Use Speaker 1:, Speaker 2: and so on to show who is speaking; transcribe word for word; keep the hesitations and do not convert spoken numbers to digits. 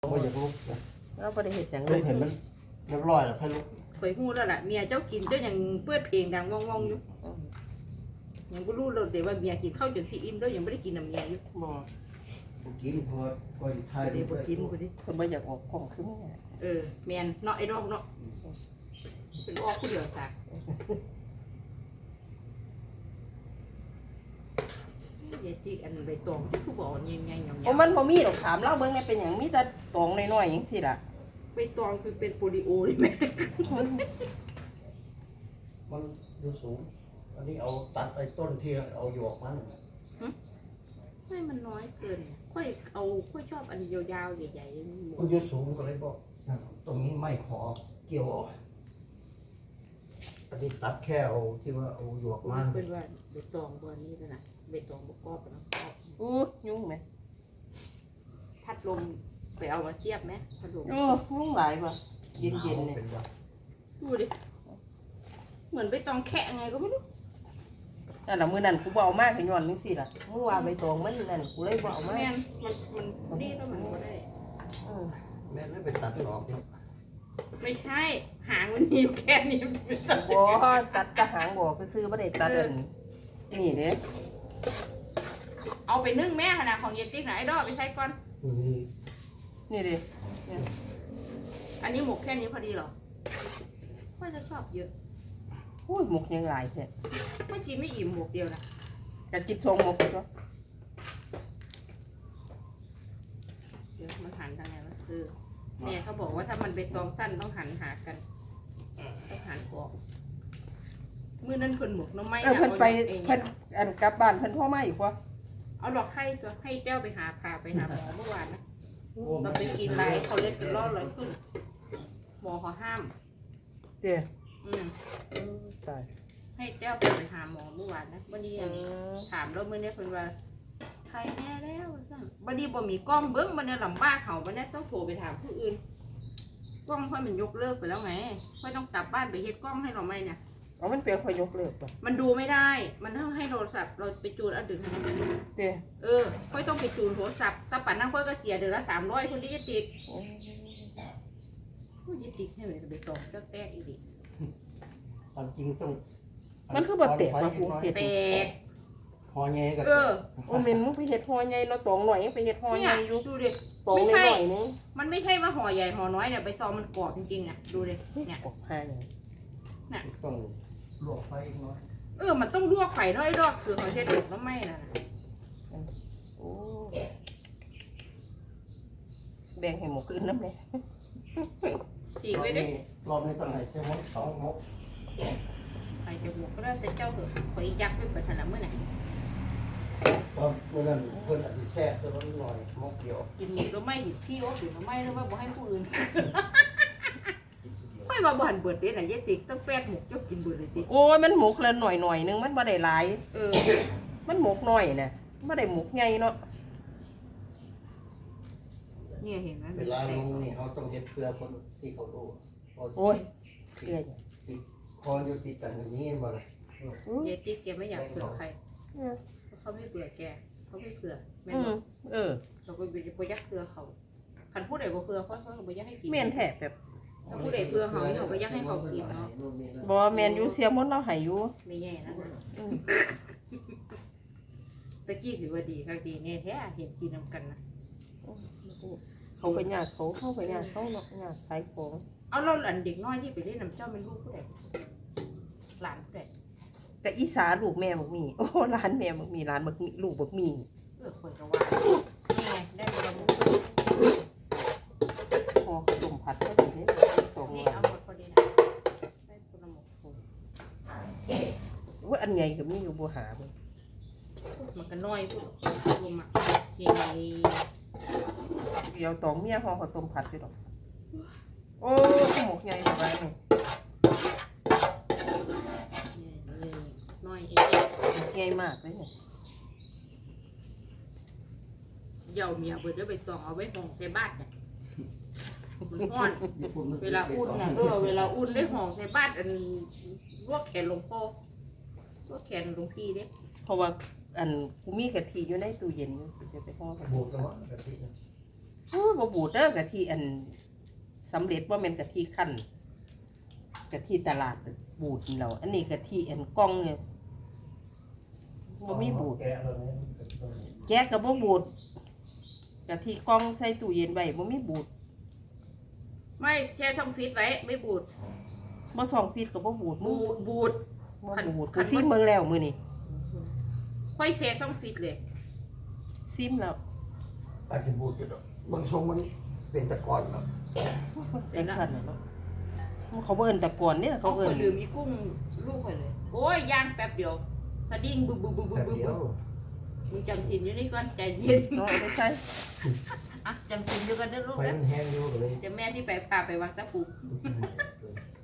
Speaker 1: ว่าอยากลุกนะ
Speaker 2: เราบ่ได้เฮ็ดหยังเล
Speaker 1: ลุ
Speaker 2: ย
Speaker 1: กเห็นมันเรียบร้อยแล้วให้ลุก
Speaker 3: ข่อยฮู้แล้วล่ะเมียเจ้ากินเจ้ายังเปิดเพลงดังว่องๆอยู่ยังบ่รู้เลยเดี๋ยวว่าเมียกินข้าวจนสิอิ่มแล้วยังบ่ได้กินน้ำเมียอยู่
Speaker 2: บ่
Speaker 1: ผมกินเพราะว่าก็อยู่ไทย
Speaker 3: เดี๋ยวบ่กินบ่ดิ
Speaker 2: เพิ่นบ่อยากออกกล้องคือแม่
Speaker 3: เออแม่นเนาะไอ้ดอกเนาะเป็นออกผู้เดียวซะเดี๋ยวที่อันใบตองที่คือบ่เอาใหญ่ๆยาวๆ
Speaker 2: โอ้มันบ่มีดอกถามเราเบิ่งแม่เป็นหยังมีแต่ตองน้อยๆจังซี่ล่ะ
Speaker 3: ใบตองคือเป็นโปลิโอเลยแม่
Speaker 1: มันดูสูง อันนี้เอาตัดไอ้ต้นที่เอาหยวกมัน
Speaker 3: ไม่มันน้อยเกินค่อยเอาค่อยชอบอันยาวๆใหญ่ๆหมู
Speaker 1: มันอยู่สูงก็เลยบอกตรงนี้ไม่ขอเกี่ยวออกอันนี้ตัดแค่เอาที่ว่าเอาหยวกมัน
Speaker 3: เป็นว่าใบตองบอนนี้แล้วนะใบตองบกรอบนะ
Speaker 2: อู้ยุ่งไหม
Speaker 3: พัดลมไปเอามาเสียบไหมพัดลม
Speaker 2: โอ้ยุ่งหลายว่ะเย็นๆเนี่ย
Speaker 1: เป็นว่า
Speaker 3: ดูดิเหมือนใบตองแคะไงก็ไม่รู้
Speaker 2: นั่นล่ะมื้อนั้นกูบ่เอามาก็ย้อนจังซี่ล่ะมึงว่าใบตองมันนั่นกูเลยบ่เอามา
Speaker 3: แม่นมันมันดีแล้วมันก็ได้
Speaker 2: เออ
Speaker 1: แม่เลยไปตัดออกเนาะ
Speaker 3: ไม่ใช่หางมันมีอยู่แค่นี้ใบตอง
Speaker 2: บ่ตัดกระหางบ่คือซื้อบ่ได้ตัดอันนี่เด้
Speaker 3: เอาไปนึ่งแม่ขนาดของเยติ๊กนะไอ้ดอกไปใช้ก่อน
Speaker 1: นี่
Speaker 2: นี่เด้
Speaker 3: อันนี้หมกแค่นี้พอดีเหรอค่อยจะชอบเยอะ
Speaker 2: โอ้ยหมกยังหลายแท้
Speaker 3: ไม่กินไม่อิ่มหมกเดียวนะ
Speaker 2: จะจิตทรงหมกตัว
Speaker 3: เดี๋ยวมันหันทางไหนวะคือแม่เขาบอกว่าถ้ามันเป็นตองสั้นต้องหันหากันต้องหันออกมือนั้นคนหมกน้ำไม้
Speaker 2: เออ
Speaker 3: นะ
Speaker 2: เพิ่นไป
Speaker 3: เอง
Speaker 2: เพิ่นอันกลับบ้านเพิ่นโทรมาอีกว่า
Speaker 3: เอาดอกไข่ตัวให้เจ้าไปหาพาไปหาหมอเมื่อวานนะเราไปกินไรเขาเล็ดเป็นรอดเลยขึ้นหมอเขาห้าม
Speaker 2: เด้อ
Speaker 3: อืม
Speaker 2: ตาย
Speaker 3: ให้เจ้าไปไปหาหมอเมื่อวานนะวันนี้ถามแล้วเมื่อนี้เพิ่นว่าใครแน่แล้วสั่งวันนี้บ่มีกล้องเบิ้งวันนี้ลำบากเขาวันนี้ต้องโทรไปถามผู้อื่นกล้องค่อยมันยกเลิกไปแล้วไงค่อยต้องกลับบ้านไปเฮ็ดกล้องให้เราไหมเนี่ย
Speaker 2: เอามันเปลี่ยนคอยยกเลิกป่ะ
Speaker 3: มันดูไม่ได้ มันต้องให้โทรศัพท์เราไปจูนเอาดึงให้มันดู
Speaker 2: เด้อ
Speaker 3: เออค่อยต้องไปจูนโทรศัพท์ถ้าปั่นนั่งค่อยก็เสียเดือนละสามร้อยคนที่จะติด
Speaker 2: โอ้
Speaker 3: ผู้จะติดให้เลยไปตองเจ้าแต้อีกดิ
Speaker 1: ความจริงต้อง
Speaker 2: มันคือบ่เตะมากูเฮ็ด
Speaker 3: แตก
Speaker 1: พอแง่กัน
Speaker 3: เออ
Speaker 2: โอ้แม่นมึงไปเฮ็ดฮอใหญ่เนาะตองหน่อยยังไปเฮ็ดฮอให
Speaker 3: เนี่
Speaker 2: ญ่
Speaker 3: ย
Speaker 2: อยู่
Speaker 3: ดูดิ
Speaker 2: ตอง
Speaker 3: ไม่
Speaker 2: ห
Speaker 3: ใช่
Speaker 2: น่อยนึง
Speaker 3: มันไม่ใช่ว่าห่อใหญ่ห่อน้อยเนี่ยใบตองมันกรอบจริงๆอ่ะดูดิเนี่ย
Speaker 2: ออกให้เลย
Speaker 1: ต้องลวกไฟอีกหน้อย
Speaker 3: เออมันต้องลวกไข่น้อยดอกคือเขาใช้ดอกน้ำไม่น่ะนะ
Speaker 2: โอ้แบ่งให้หมกอื่นนำแม่
Speaker 3: ฉีกไว้ดิ
Speaker 1: รอบนี้ต้องให้เจ้ามดสองมก
Speaker 3: ไข่จะบวกก็ได้แต่เจ้าเถอะขออียักษ์ไปเปิดถนัดเมื่อไหร่
Speaker 1: เพราะเมื่อนั้นเพิ่นอาจจะแซ่บตัวนั้นหน่อยมกเดียว
Speaker 3: กินหมูแล้วไม่หยุดที่โอ๊ตหรือไม่แล้วว่าบ่ให้ผู้อื่นค่อยมาบ่หันเบิดเด้น่ะเยติกต้องแฟดหมกเจ้ากินเบิดเลยติ
Speaker 2: โอ้ยมันหมกละหน่อยหน่อยนึงมันบ่ได้หลาย
Speaker 3: เออ
Speaker 2: มันหมกน้อยน่ะบ่ได้หมกใหญ่เนาะ
Speaker 3: เนี่ยเห็นไหม
Speaker 1: เวลาลงนี่เขาต้องเฮ็ดเพื่อคนที่เขารู้
Speaker 2: โอ้ย
Speaker 1: ติ
Speaker 2: เกลือ
Speaker 1: ดติดคอนอยู่ติดกันอย่างนี้บ่ล่ะ
Speaker 2: อือ
Speaker 3: เยติกแกไม่อยากเผื่อใครเพราะเขาไม่เผื่อแกเขาไม่เผื่อแม่น
Speaker 2: อื
Speaker 3: บ่
Speaker 2: มเออ
Speaker 3: เขาก็บ่ยักเผื่อเขาคันผู้ใดบ่เผื่อเขาเขาก็บ่ยักให้กิน
Speaker 2: แม่นแท้แบบ
Speaker 3: ถ้าผู้ใดเผื่อเขาเขาก็ยักให้เขากินเนาะ
Speaker 2: บ่แม่นอยู่เสียมดเราให้อยู่
Speaker 3: ไม่แย่นะ
Speaker 2: อืม
Speaker 3: ตะกี้ถือว่าดีค่ะดีแน่แท้เห็นกินนำกันนะ
Speaker 2: เขาไปญาติเขาเข้าไปญาติเขาเนาะญาติขายของ
Speaker 3: เอาเราหลานเด็กน้อยที่ไปเล่นน้ำเจ้าเป็นลูกผู้ใดหลานผู้ใด
Speaker 2: แต่อีสาลูกแม่บักมีโอ้ร้านแม่บักมีร้านบักมีลูกบักมี
Speaker 3: เออคนจะว่านี่ไงได้เวลา
Speaker 2: พอต้มผัดก็ดีเด้สอง
Speaker 3: นี่
Speaker 2: วัน
Speaker 3: เอาหมดพอดีนะได้คนละหมด
Speaker 2: ว่าอันใหญ่ก็มีอยู่บ่หาบ่
Speaker 3: มันก็น้อยพูดรวมอ่ะนี่ไง
Speaker 2: เดี๋ยวตองเมียพอเขาต้มผัดอยู่ดอกโอ้หมกใหญ่สบายนี่
Speaker 3: น้อยเอง
Speaker 2: ใหญ่มากเลยเนี่ย
Speaker 3: เยาเมียเบิดได้ไปตองเอาไว้ห่องใส่บ้านเนี่ยมันห้อนเวลาอุ่นนะเออเวลาอุ่นได้ห่องใส่บ้านอันลวกแขนหลวงพ่อลวกแขนหลวงพี่เด้
Speaker 2: เพราะว่าอันกูมีกะทิอยู่ในตู้เย็นอยู่กูจะไปห่อกัน
Speaker 1: บวกแล้วกะทินะ
Speaker 3: ฮ
Speaker 2: โอ้บ่บูดเด้อกะทิอันสำเร็จว่าแม่นกะทิคั่นกะทิตลาดบูดนี่แล้วอันนี้กะทิอันกล่องเนี่ยบ่มีบูด
Speaker 1: แกะแล้วเนี่ย
Speaker 2: แกะก็บ่บูดกะทิกล่องใส่ตู้เย็นไว้บ่มีบูด
Speaker 3: ไม่แช่ช่องฟิตไว้ไม่บูด
Speaker 2: บ่สองฟีดก็บ่บูด
Speaker 3: บูดบูด
Speaker 2: บ่บูดกูซิมเบิ่งแล้วมื้อนี้
Speaker 3: ค่อยแช่ช่องฟิตเลย
Speaker 2: ซิมแล้ว
Speaker 1: อาจจะบูดอยู่ดอกบางทรงมันเป็นตะกอนเนาะ
Speaker 2: เป็นคั่นแล้วเนาะเขาบ่เอิ้นตะกอนเนี่ย
Speaker 3: เขา
Speaker 2: เขา
Speaker 3: เค
Speaker 2: เอิ้
Speaker 3: ย
Speaker 2: น
Speaker 3: ลืมมีกุ้งลูกไปเลย โอ้ยย่างแป๊บเดียวสะดิ้งบึ้บบึ้บบึ้บบึ้
Speaker 1: แต่
Speaker 3: บบึ้บ
Speaker 1: เดียว
Speaker 3: มึงจำสินอยู่นี่ก่อนใจเย็น
Speaker 2: เนาะไม่ใช่
Speaker 3: อ่ะจำสินอยู่กันเด้อลูก
Speaker 1: ไฟ
Speaker 3: นะ
Speaker 1: มันแห้งอยู่ก็เลย
Speaker 3: เดี๋ยวแม่ที่ไปพาไปวังสะพุง